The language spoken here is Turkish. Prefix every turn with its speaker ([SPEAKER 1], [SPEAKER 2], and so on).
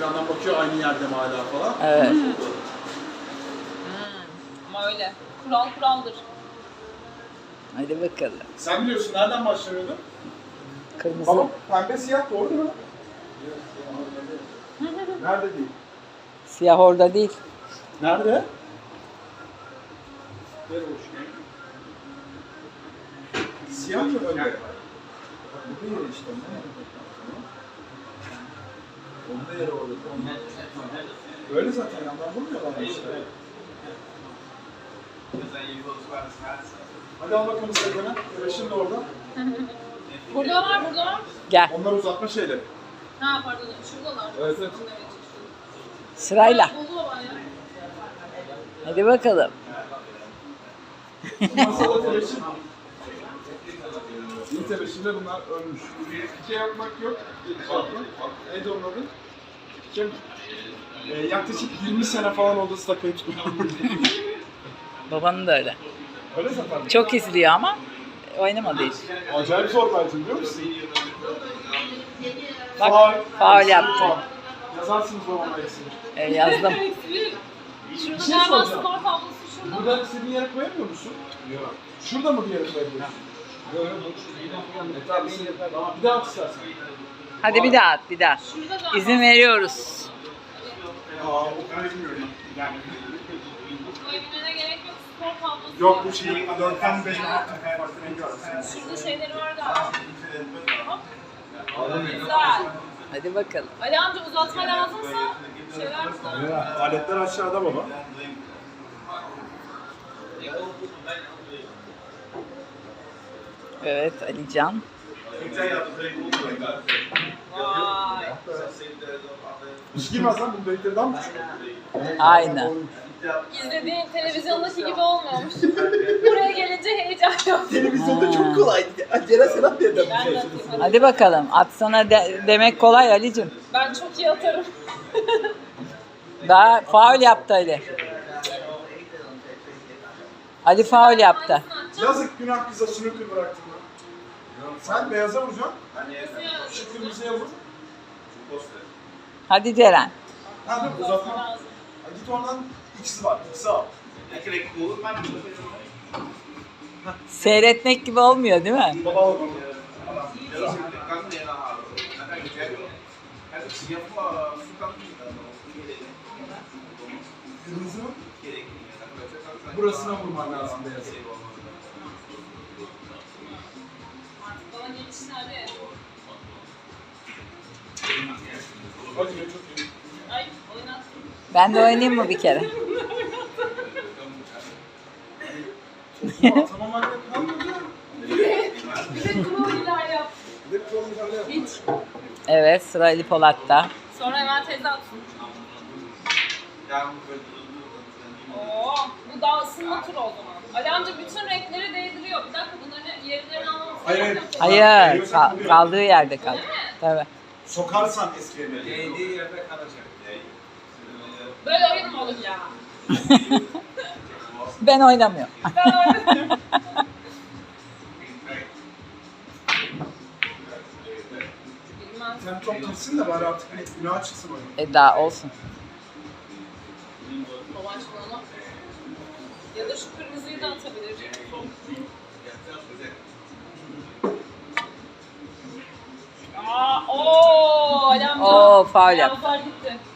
[SPEAKER 1] ekrandan bakıyor aynı yerde mi hala falan.
[SPEAKER 2] Evet.
[SPEAKER 3] Ama öyle. Kural kuraldır.
[SPEAKER 2] Hadi bakalım.
[SPEAKER 1] Sen biliyorsun nereden başlanıyordu?
[SPEAKER 2] Kırmızı.
[SPEAKER 1] Tamam. Pembe siyah doğru değil mi? Nerede değil?
[SPEAKER 2] Siyah orada değil.
[SPEAKER 1] Nerede? Ver hoş. Siyah mı önde? Bu yeri işte. Onda yeri orada. Öyle zaten yandan vurmuyorlar işte. Hadi al bakalım Serkan'a. Güreşin de orada.
[SPEAKER 3] Burada var, burada var.
[SPEAKER 2] Gel.
[SPEAKER 1] Onlar uzatma şeyleri.
[SPEAKER 3] Ha pardon, şuradalar.
[SPEAKER 1] Evet, evet.
[SPEAKER 2] Sırayla.
[SPEAKER 3] Buluyorlar ya.
[SPEAKER 2] Hadi bakalım.
[SPEAKER 1] Masada tebeşir. İyi tebeşirde bunlar ölmüş. Şey yapmak yok. Neydi onun adı? Kim? Yaklaşık 20 sene falan oldu stakayı tutmam.
[SPEAKER 2] Babanın da öyle.
[SPEAKER 1] Öyle zaten.
[SPEAKER 2] Çok izliyor ama oynamadı hiç.
[SPEAKER 1] Acayip zor bence biliyor musun?
[SPEAKER 2] Bak, faul yaptı.
[SPEAKER 1] Faul. Yazarsınız babama eksini.
[SPEAKER 2] Yazdım.
[SPEAKER 3] Şurada
[SPEAKER 1] şey
[SPEAKER 3] galiba
[SPEAKER 1] soracağım.
[SPEAKER 3] skor tablosu şurada.
[SPEAKER 1] Burada istediğin yere koyamıyor musun? Yok. Şurada mı bir yere koyabiliyorsun? Yok yok. Tamam bir daha at istersen.
[SPEAKER 2] Hadi bir daha at, bir daha.
[SPEAKER 3] Şurada galiba.
[SPEAKER 2] İzin veriyoruz.
[SPEAKER 1] Aa o bilmiyorum. Yani.
[SPEAKER 3] Koyabilmene gerek yok. Skor tablosu.
[SPEAKER 1] Yok bu şey 4'ten 5 farklı rengi var.
[SPEAKER 3] Şurada şeyleri var galiba. Hop. Güzel.
[SPEAKER 2] Hadi bakalım.
[SPEAKER 3] Ali amca uzatma lazımsa şeyler güzel.
[SPEAKER 1] Aletler aşağıda baba.
[SPEAKER 2] Evet, Alican.
[SPEAKER 3] Vay.
[SPEAKER 1] Hiç girmez lan bu deliklerden mi küçük?
[SPEAKER 2] Aynı.
[SPEAKER 3] İzlediğin televizyondaki gibi olmuyormuş. Buraya gelince heyecan yok.
[SPEAKER 4] Televizyonda çok kolaydı. Ceren Serap diye de
[SPEAKER 3] Ben de atayım, hadi.
[SPEAKER 2] Hadi bakalım. Atsana demek kolay Ali'cim.
[SPEAKER 3] Ben çok iyi atarım.
[SPEAKER 2] Daha faul yaptı Ali. Ali faul yaptı.
[SPEAKER 1] Yazık günah kıza snooker bıraktın lan. Sen beyaza vuracaksın. Şu kırmızıya vur.
[SPEAKER 2] Hadi Ceren.
[SPEAKER 1] Ha dur uzatma. Ha, git oradan X'i var. X'i al.
[SPEAKER 2] Seyretmek gibi olmuyor değil mi?
[SPEAKER 1] Baba al bunu. Kırmızı mı? Burasına vurman lazım beyazı.
[SPEAKER 3] Bana gelişlerde.
[SPEAKER 1] Hadi be çok iyi.
[SPEAKER 3] Ay oynattım.
[SPEAKER 2] Ben de oynayayım mı bir kere?
[SPEAKER 1] Tamam anne kalmadı.
[SPEAKER 3] Bir de kroiler yap.
[SPEAKER 1] Bir de kırmızı yap.
[SPEAKER 3] Hiç.
[SPEAKER 2] Evet, sıra Ali Polat'ta.
[SPEAKER 3] Sonra hemen teyze atsın. Oo, bu daha ısınma turu o zaman. Ali amca bütün renkleri değdiriyor. Bir dakika bunların yerlerini almamız
[SPEAKER 1] Hayır,
[SPEAKER 3] gerekiyor.
[SPEAKER 2] Hayır, kaldığı yerde kaldı. Tabii.
[SPEAKER 1] Sokarsan eski evine.
[SPEAKER 3] Böyle oyun mu olur ya?
[SPEAKER 2] Ben oynamıyorum.
[SPEAKER 3] Ben oynamıyorum. Bilmem.
[SPEAKER 1] Sen çok gitsin de bari artık bir günah çıksın oyun.
[SPEAKER 2] Daha olsun.
[SPEAKER 3] Babaş bunu. Ya da şu kırmızıyı da atabilir. Ali amca.
[SPEAKER 2] Oo, faul yaptı.
[SPEAKER 3] Ayazlar gitti.